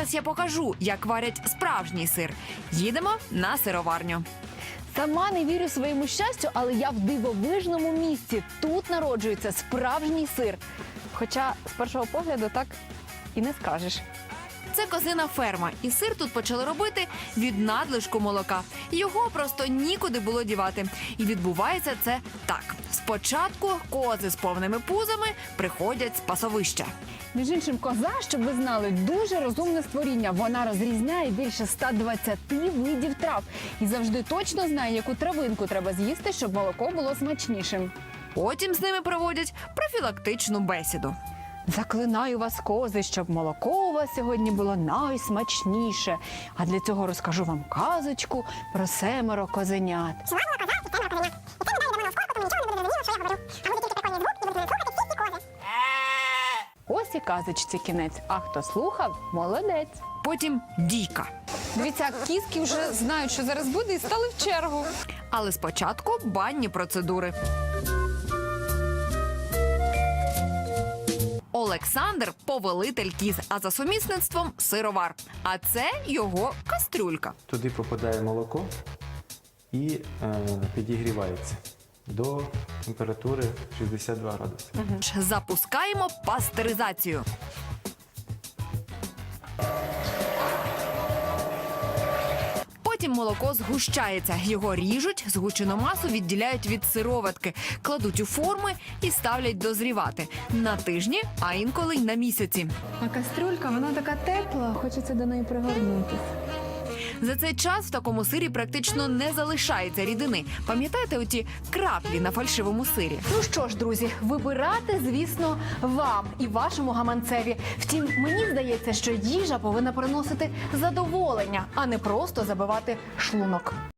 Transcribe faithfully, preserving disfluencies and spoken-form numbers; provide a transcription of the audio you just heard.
зараз я покажу, як варять справжній сир. Їдемо на сироварню. Сама не вірю своєму щастю, але я в дивовижному місці. Тут народжується справжній сир. Хоча з першого погляду так і не скажеш. Це козина ферма, і сир тут почали робити від надлишку молока. Його просто нікуди було дівати. І відбувається це так. Спочатку кози з повними пузами приходять з пасовища. Між іншим, коза, щоб ви знали, дуже розумне створіння. Вона розрізняє більше ста двадцяти видів трав. І завжди точно знає, яку травинку треба з'їсти, щоб молоко було смачнішим. Потім з ними проводять профілактичну бесіду. Заклинаю вас, кози, щоб молоко у вас сьогодні було найсмачніше. А для цього розкажу вам казочку про семеро козенят. Жила була коза і семеро козенят. І це не дає до мене в скорку, тому нічого не буде зрозуміло, що я говорю. А буде тільки прикольний звук, і будуть мене слухати всі ці кози. Ось і казочці кінець. А хто слухав – молодець. Потім дійка. Дивіться, кізки вже знають, що зараз буде, і стали в чергу. Але спочатку банні процедури. Олександр – повелитель кіз, а за сумісництвом – сировар. А це його кастрюлька. Туди попадає молоко і е, підігрівається до температури шістдесят два градуси. Запускаємо пастеризацію. Потім молоко згущається. Його ріжуть, згущену масу відділяють від сироватки, кладуть у форми і ставлять дозрівати. На тижні, а інколи й на місяці. А кастрюлька, вона така тепла, хочеться до неї пригорнутися. За цей час в такому сирі практично не залишається рідини. Пам'ятаєте оті краплі на фальшивому сирі? Ну що ж, друзі, вибирати, звісно, вам і вашому гаманцеві. Втім, мені здається, що їжа повинна приносити задоволення, а не просто забивати шлунок.